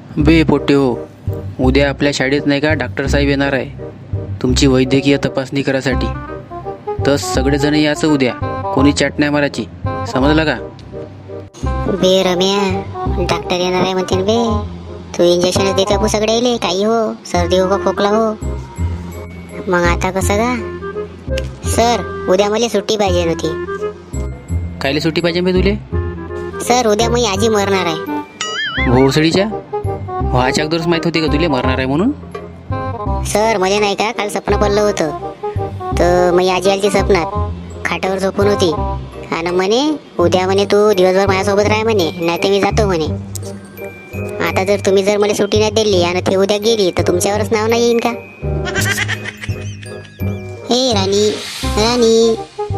बे पोट्टे हो, उद्या आपल्या शाळेत नाही का डॉक्टर साहेब येणार आहे तुमची वैद्यकीय तपासणी करायसाठी. तर सगळेजण याचं उद्या, कोणी चाट नाही मारायची, समजलं का? बे रम्या, डॉक्टर येणार आहे म्हणते बे. तू इंजेक्शन देत का सगळे येले, काही हो, सर्दी हो का खोकला हो. मग आता कसं का सर? उद्या मला सुट्टी पाहिजे नव्हती. कायले सुट्टी पाहिजे बे तुले? सर उद्या मी आजी मरणार आहे. भोसडीच्या व्हायच्या अगोदरच माहीत होती का तुले मरणार आहे म्हणून? सर मला नाही का काल स्वप्न पडलं होतं. तर मी आजी आली स्वप्नात खाटावर झोपून होती आणि म्हणे उद्या म्हणे तू दिवसभर माझ्यासोबत राह म्हणे, नाही तर मी जातो म्हणे. आता जर तुम्ही जर मला सुट्टी नाही दिली आणि ते उद्या गेली तर तुमच्यावरच नाव नाही येईन का? हे राणी राणी.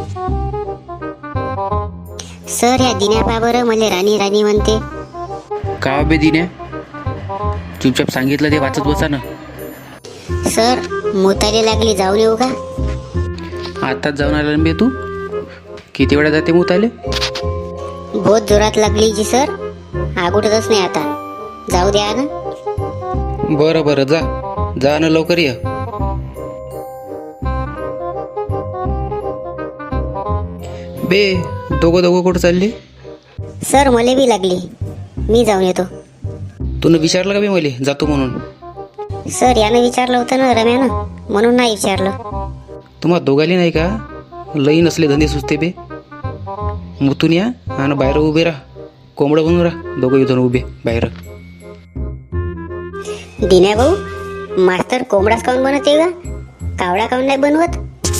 सर ह्या दिन्या पा बरं मला राणी राणी म्हणते. का बे दिन्या, चुपचाप सांगितलं ते वाचत बसा ना. सर मुताले लागली, जाऊन येऊ का? आताच जाऊन आला ना बे तू? किती वेळा जाते मुताले? बहुत जोरात लागली जी सर, आगोटतच नाही आता. जाऊ द्या ना. बरं बरं, जा जा ना लवकर ये. बे दोघं कुठं चालले? सर मला बी लागली, मी जाऊन येतो. तूनं विचारलं का बे मले जातो म्हणून? सर यानं विचारलं होतं ना रम्यानं, म्हणून नाही विचारलं. तुम्हाला दोघाली नाही का लई नसले धंदे सुचते बे? मुतून या आणि बाहेर उभे राहा, कोंबडं बनून राहा दोघं इथून उभे बाहेर. दिन्या भाऊ, मास्तर कोंबडाच काऊन बनवते का? कावडा काऊन नाही बनवत?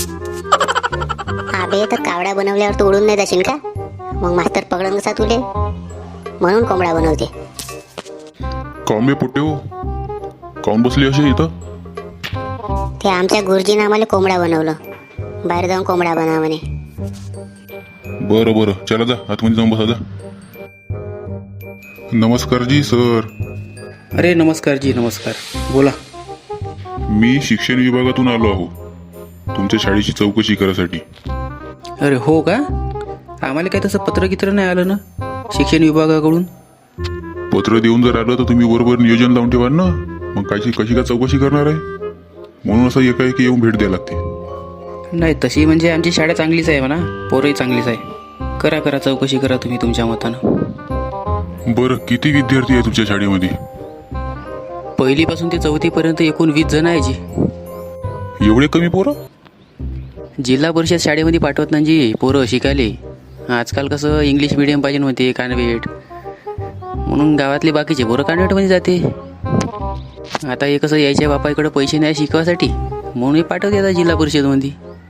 अबे तर कावडा बनवल्यावर तू उडून नाही जाशील का? मग मास्तर पकडून कसा तुले, म्हणून कोंबडा बनवते. काऊन बे पोट्टे हो, काऊन बसली अशी इथं? ते आमच्या गुरुजीनं आम्हाला कोंबडा बनवलं, बाहेर जाऊन कोंबडा बनवा म्हणे. बरं बरं, चला जा आतमध्ये जाऊन बसा जा. नमस्कार जी सर. अरे नमस्कार जी, नमस्कार, बोला. मी शिक्षण विभागातून आलो आहो तुमच्या शाळेची चौकशी करायसाठी. अरे हो का? आम्हाला काय तसं पत्र नाही आलं ना शिक्षण विभागाकडून. पत्र देऊन जर आलं तर तुम्ही बरोबर नियोजन लावून ठेवाल ना. मग कशी का चौकशी करणार आहे? म्हणून असं एकाएकी येऊन भेट द्यायला लागते. नाही तशी म्हणजे आमची शाळा चांगलीच आहे म्हणा, पोरही चांगलीच आहे. करा चौकशी करा तुम्ही तुमच्या मतानं. बरं, किती विद्यार्थी आहे तुमच्या शाळेमध्ये? पहिलीपासून ते चौथीपर्यंत एकूण 20 जण आहे जी. एवढे कमी पोरं? जिल्हा परिषद शाळेमध्ये पाठवत नाही जी पोरं शिकायले. आजकाल कसं इंग्लिश मिडियम पाहिजे म्हणते, कान्वेट, म्हणून गावातले बाकीचे पोरं कान्वेटमध्ये जाते. आता हे कसं यायच्या बापाकडे पैसे नाही शिकवासाठी, म्हणून हे पाठवते आता जिल्हा परिषदमध्ये.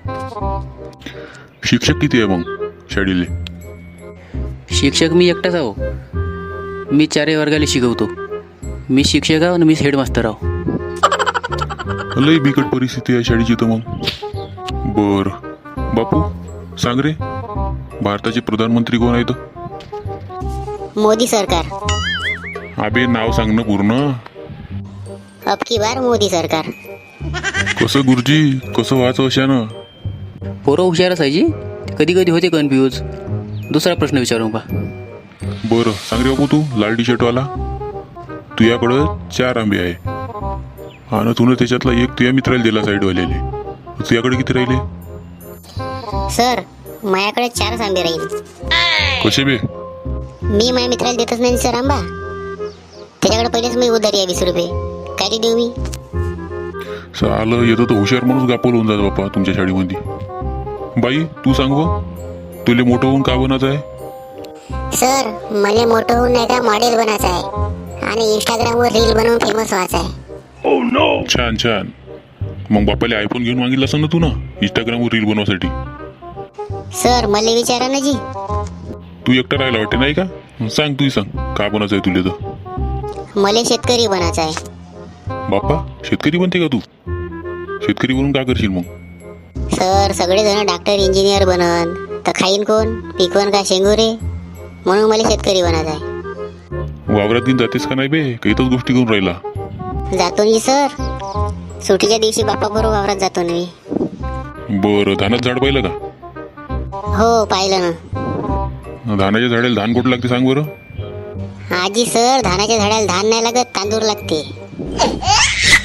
शिक्षक किती आहे मग शाळेले? शिक्षक मी एकटाच आहो. मी 4 वर्गाला शिकवतो. मी शिक्षक आहो आणि मी हेडमास्तर आहो. लई बिकट परिस्थिती आहे शाळेची तर मग. बर बापू, सांग रे, भारताचे प्रधानमंत्री कोण आहेत? मोदी सरकार. अबे नाव सांग ना पूर्ण. अब की बार मोदी सरकार. कसं गुरुजी, कसं व्हायचं अशानं? पोरं हुशारच आहे जी, कधी होते कन्फ्यूज. दुसरा प्रश्न विचारू बा. बरं सांग रे बापू, तू लाल टी शर्टवाला, तुझ्याकडं 4 आंबे आहे आणि तुला त्याच्यातला एक तुझ्या मित्राला दिला साईडवाल्याले. तुझ्याकडे किती राहिले? सर माझ्याकडे 4 आंबे राहील. कसे बे? मी माझ्या मित्राला देतच नाही सर आंबा. त्याच्याकडे पहिलेच मी उधारी आहे 20 रुपये. काय देऊ मी? आलं येतं तर हुशार माणूस गापोल होऊन जात बापा तुमच्या शाळेमध्ये. बाई तू सांग व, तुले मोठं होऊन का बनायचं आहे? सर मला मोठं होऊन नाही का मॉडेल बनायचं आहे आणि इंस्टाग्रामवर रील बनवून फेमस व्हायचं आहे. छान छान. मग बापाला आयफोन घेऊन मागितला असं ना तू ना इंस्टाग्रामवर रील बनवासाठी. सर मला विचारा ना जी. तू एकटा राहायला वाटते नाही का? सांग तू सांग का बनायचं आहे तुले? तर मला शेतकरी बनायचं आहे. बाप्पा शेतकरी बनते का तू? शेतकरी बनून का करशील मग? सर सगळेजण डॉक्टर इंजिनियर बनन तर खाईन कोण, पिकवण का शेंगुरे, म्हणून मला शेतकरी बनायचं आहे. वावरात दिन जातेस का नाही बे? काहीतच गोष्टी करून राहिला. जातो मी सर, सुट्टीच्या दिवशी बाप्पा बरोबर वावरात जातो ना मी. बरं, धानात झाड पाहिलं का? हो पाहिलं ना. धानाच्या झाडाला धान कुठं लागते सांग बरं? आजी सर धानाच्या झाडाला धान नाही लागत तांदूळ लागते.